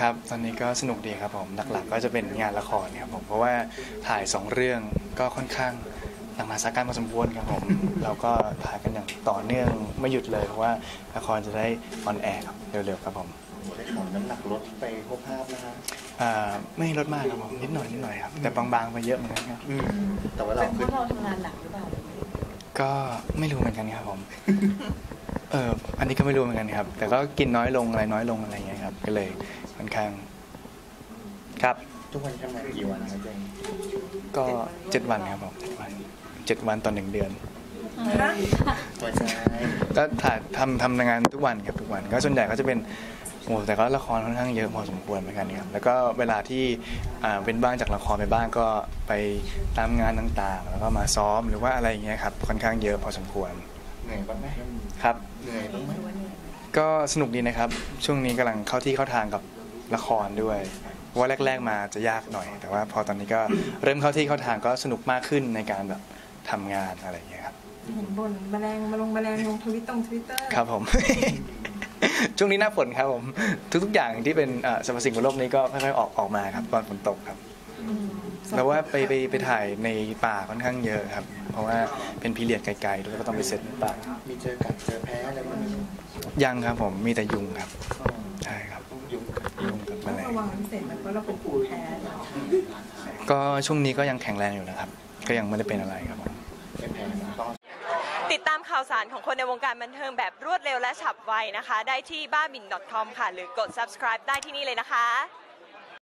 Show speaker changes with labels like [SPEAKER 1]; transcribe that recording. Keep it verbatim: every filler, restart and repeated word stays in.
[SPEAKER 1] ครับตอนนี้ก็สนุกดีครับผมหลักๆก็จะเป็นงานละครครับผมเพราะว่าถ่ายสองเรื่องก็ค่อนข้างหนักหนาสาหัสพอสมควรครับผมเราก็ถ่ายกันอย่างต่อเนื่องไม่หยุดเลยเพราะว่าละครจะได้ออนแอร์ครับเร็วๆครับผม
[SPEAKER 2] ได้ข่าวน้ำหนักลดไปครบภาพนะฮะ
[SPEAKER 1] อ่าไม่ลดมากครับผมนิดหน่อยนิดหน่อยครับแต่บางๆไปเยอะเหมือนกันครับ
[SPEAKER 2] แต่ว่าเรา
[SPEAKER 3] เป็นเพราะเราทำงานหนักหรือเปล่า
[SPEAKER 1] ก็ไม่รู้เหมือนกันครับผมเอออันนี้ก็ไม่รู้เหมือนกันครับแต่ก็กินน้อยลงอะไรน้อยลงอะไรอย่างเงี้ยครับก็เลยค่อนข้างครับ
[SPEAKER 2] ทุกวันทำงานกี่วันครับเจง
[SPEAKER 1] ก็เจ็ดวันครับผมเจ็ดวันเจ็ดวันต่อหนึ่งเดือน
[SPEAKER 2] ตัวใช่
[SPEAKER 1] ก็ถ่ายทำทำงานทุกวันครับทุกวันก็ส่วนใหญ่ก็จะเป็นโอ้แต่ก็ละครค่อนข้างเยอะพอสมควรเหมือนกันครับแล้วก็เวลาที่อ่าเป็นบ้างจากละครไปบ้างก็ไปตามงานต่างๆแล้วก็มาซ้อมหรือว่าอะไรอย่างเงี้ยครับค่อนข้างเยอะพอสมควร
[SPEAKER 2] เหนื่อยบ้างไหม
[SPEAKER 1] ครับ
[SPEAKER 2] เหนื่อยบ้างไหม
[SPEAKER 1] ก็สนุกดีนะครับช่วงนี้กำลังเข้าที่เข้าทางกับละครด้วยเพราะว่าแรกๆมาจะยากหน่อยแต่ว่าพอตอนนี้ก็เริ่มเข้าที่เข้าทางก็สนุกมากขึ้นในการแบบทำงานอะไรอย่างเงี้ยครับ
[SPEAKER 3] เห็นบนแมลงมาลงแมลงลงทวิตตรงทวิตเตอร์
[SPEAKER 1] ครับผม ช่วงนี้หน้าฝนครับผมทุกๆอย่างที่เป็นสรรพสิ่งบนโลกนี้ก็ค่อยๆออกออกมาครับตอนฝนตกครับแล้วว่าไปไปไปถ่ายในป่าค่อนข้างเยอะครับเพราะว่าเป็นพีเรียดไกลๆแล้วก็ต้องไปเซตในป่า
[SPEAKER 2] มีเจอกัดเจอแพ้อะไรบ้าง
[SPEAKER 1] ยังครับผมมีแต่ยุงครับใช่ครับ
[SPEAKER 2] ยุง
[SPEAKER 1] ยุงกับแมลง
[SPEAKER 3] ระวังพิเศษมันเพราะเราเป็นภูมิแพ้
[SPEAKER 1] ก็ช่วงนี้ก็ยังแข็งแรงอยู่นะครับก็ยังไม่ได้เป็นอะไรครับผม
[SPEAKER 2] ไม่แพ้ต้อง
[SPEAKER 4] ติดตามข่าวสารของคนในวงการบันเทิงแบบรวดเร็วและฉับไวนะคะได้ที่บ้าบิน ดอท คอม ค่ะหรือกด ซับสไครบ์ ได้ที่นี่เลยนะคะ